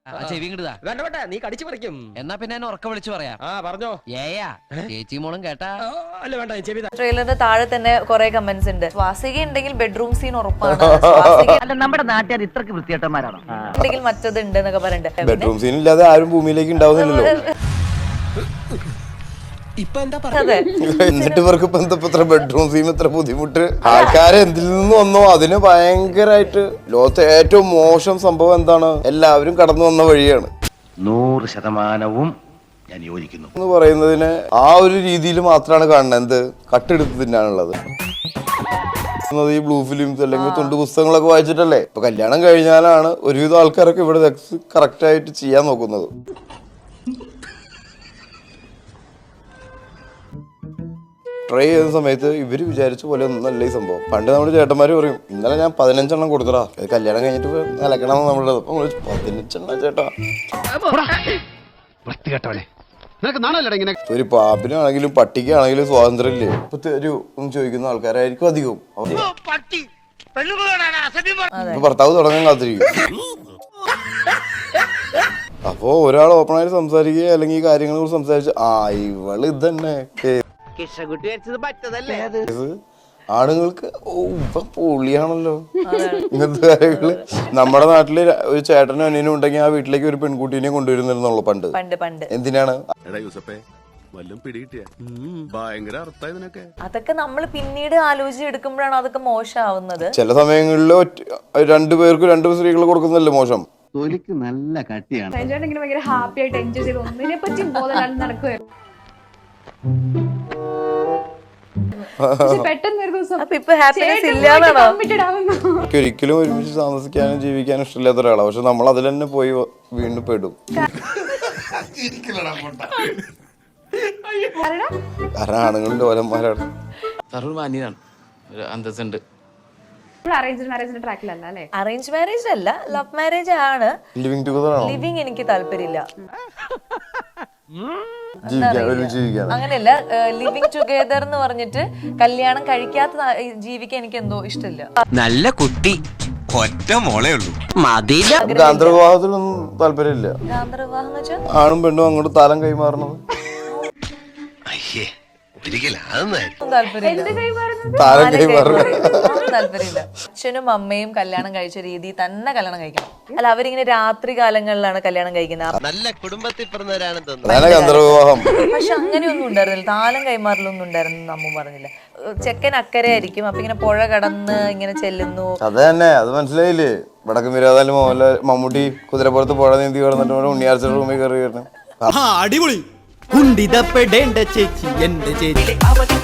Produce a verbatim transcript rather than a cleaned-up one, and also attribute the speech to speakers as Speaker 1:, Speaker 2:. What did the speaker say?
Speaker 1: വേണ്ട വേണ്ട, നീ കടിച്ചു പറിക്കും.
Speaker 2: എന്നാ പിന്നെ എന്നെ ഉറക്കം വിളിച്ചു പറയാം.
Speaker 1: ആ പറഞ്ഞോ.
Speaker 2: ഏയാ ചേച്ചി മോളും കേട്ടാ.
Speaker 1: അല്ല വേണ്ട, ചെവി.
Speaker 3: ട്രെയിലറിന്റെ താഴെ തന്നെ കുറെ കമന്റ്സ് ഉണ്ട്. സ്വാസിക ഉണ്ടെങ്കിൽ ബെഡ്റൂം സീൻ ഉറപ്പാണ്.
Speaker 4: നമ്മുടെ നാട്ടുകാർ ഇത്രക്ക് വൃത്തികെട്ടന്മാരാണോ?
Speaker 3: ഉണ്ടെങ്കിൽ മറ്റത് ഉണ്ട് എന്നൊക്കെ പറഞ്ഞിട്ട്
Speaker 5: ബെഡ്റൂം സീൻ ഇല്ലാതെ ആരും ഭൂമിയിലേക്ക് ഉണ്ടാവുന്നില്ലല്ലോ. എന്നിട്ട് ഇവർക്ക് ഇപ്പൊ എന്താ ഇത്ര ബെഡ്റൂം സീൻ ഇത്ര ബുദ്ധിമുട്ട്? ആൾക്കാരെ എന്തിൽ നിന്ന് വന്നോ അതിന് ഭയങ്കരമായിട്ട് ലോകത്തെ ഏറ്റവും മോശം സംഭവം എന്താണ്? എല്ലാവരും കടന്നു വന്ന വഴിയാണ്.
Speaker 6: നൂറ് ശതമാനവും ഞാൻ യോജിക്കുന്നു
Speaker 5: എന്ന് പറയുന്നതിന് ആ ഒരു രീതിയിൽ മാത്രമാണ് കാണുന്നത്. എന്ത് കട്ടെടുത്ത് തിന്നാനുള്ളത് ഈ ബ്ലൂ ഫിലിംസ് അല്ലെങ്കിൽ തുണ്ട് പുസ്തകങ്ങളൊക്കെ വായിച്ചിട്ടല്ലേ. ഇപ്പൊ കല്യാണം കഴിഞ്ഞാലാണ് ഒരുവിധം ആൾക്കാരൊക്കെ ഇവിടെ സെക്സ് കറക്റ്റ് ആയിട്ട് ചെയ്യാൻ നോക്കുന്നത്. ട്രൈ ചെയ്യുന്ന സമയത്ത് ഇവര് വിചാരിച്ച പോലെ ഒന്നല്ല ഈ സംഭവം. പണ്ട് നമ്മുടെ ചേട്ടന്മാര് പറയും, ഇന്നലെ ഞാൻ പതിനഞ്ചെണ്ണം കൊടുത്തടാ, കല്യാണം കഴിഞ്ഞിട്ട് നിലക്കണം നമ്മളുടെ. അപ്പൊ പതിനഞ്ചെണ്ണം ചേട്ടാ. ഒരു പാമ്പിനാണെങ്കിലും പട്ടിക്കാണെങ്കിലും സ്വാതന്ത്ര്യം ഇല്ലേ? ഇപ്പൊ ഒരു ഒന്ന് ചോദിക്കുന്ന ആൾക്കാരായിരിക്കും അധികവും. ഭർത്താവ് തുടങ്ങാൻ കാത്തിരിക്കും. അപ്പോ ഒരാൾ ഓപ്പണായിട്ട് സംസാരിക്കുക അല്ലെങ്കിൽ ഈ കാര്യങ്ങളെ കുറിച്ച് സംസാരിച്ച് ആ ഇവള് ഇതന്നെ ആണുങ്ങൾക്ക് പൊളിയാണല്ലോ ഇങ്ങനത്തെ കാര്യങ്ങള്. നമ്മുടെ നാട്ടില് ഒരു ചേട്ടനും അനിയനും ഉണ്ടെങ്കിൽ ആ വീട്ടിലേക്ക് ഒരു പെൺകുട്ടീനെ കൊണ്ടുവരുന്നില്ലെന്നുള്ളു പണ്ട്. എന്തിനാണ്
Speaker 3: അതൊക്കെ നമ്മൾ പിന്നീട് ആലോചിച്ചെടുക്കുമ്പോഴാണ് അതൊക്കെ മോശമാവുന്നത്.
Speaker 5: ചില സമയങ്ങളില് രണ്ടുപേർക്ക് രണ്ട് സ്ത്രീകൾ കൊടുക്കുന്നല്ലേ മോശം.
Speaker 4: തൊലിക്ക് നല്ല കട്ടിയാണ്.
Speaker 7: ഭയങ്കര ഹാപ്പി ആയിട്ട് എൻജോയ് ചെയ്ത് ഒന്നിനെ പറ്റി ബോധം നടക്കുവായിരുന്നു.
Speaker 5: ഒരിക്കലും ഒരുമിച്ച് താമസിക്കാനും ജീവിക്കാനും ഇഷ്ടമില്ലാത്ത ഒരാളാണ്. പക്ഷെ നമ്മൾ അതിൽ തന്നെ പോയി വീണ്ടും പെടും. കാരണം ആണുങ്ങളുടെ ഓലന്മാരാണ്.
Speaker 2: അന്തസ്സുണ്ട്.
Speaker 3: അറേഞ്ച് മാരേജ് അല്ല, ലവ് മാരേജ് ആണ്.
Speaker 5: ലിവിങ് ടുഗദർ ആണോ?
Speaker 3: ലിവിങ് എനിക്ക് താല്പര്യമില്ല. അങ്ങനെയല്ല, ലിവിങ് ടുഗദർ എന്ന് പറഞ്ഞിട്ട് കല്യാണം കഴിക്കാത്ത ജീവിക്കാൻ എനിക്ക് എന്തോ ഇഷ്ടമില്ല.
Speaker 8: നല്ല കുട്ടി, ഒറ്റ മോളേ ഉള്ളൂ.
Speaker 5: ഗാന്ധർവിവാഹത്തിനൊന്നും താല്പര്യമില്ല.
Speaker 3: ഗാന്ധർവിവാഹം എന്ന് വെച്ചാൽ
Speaker 5: ആണും പെണ്ണും അങ്ങോട്ട് താലം കൈമാറണത്.
Speaker 3: താല്പര്യമില്ല. അച്ഛനും അമ്മയും കല്യാണം കഴിച്ച രീതി തന്നെ കല്യാണം കഴിക്കണം. അല്ല, അവരിങ്ങനെ രാത്രി കാലങ്ങളിലാണ് കല്യാണം കഴിക്കുന്നത്.
Speaker 8: നല്ല കുടുംബത്തിൽ പിറന്നവരാണെന്ന് തോന്നുന്നു.
Speaker 3: പക്ഷെ അങ്ങനെയൊന്നും ഉണ്ടായിരുന്നില്ല. താലം കൈമാറലൊന്നും ഉണ്ടായിരുന്നു അമ്മ പറഞ്ഞില്ല. ചെക്കൻ അക്കരെ ആയിരിക്കും, അപ്പൊ ഇങ്ങനെ പുഴ കടന്ന് ഇങ്ങനെ ചെല്ലുന്നു.
Speaker 5: അത് തന്നെ, അത് മനസ്സിലായില്ലേ? വടക്ക് മിരാതാലും മോഹൻലാൽ മമ്മൂട്ടി കുതിരപ്പുറത്ത് പുഴ നീന്തി കിടന്നിട്ട് ഉണ്ണിയാർച്ച റൂമിൽ കയറി വരുന്നത്.
Speaker 9: അടിപൊളി. കുണ്ടിതപ്പെടേണ്ട ചേച്ചി എന്റെ ചേച്ചി.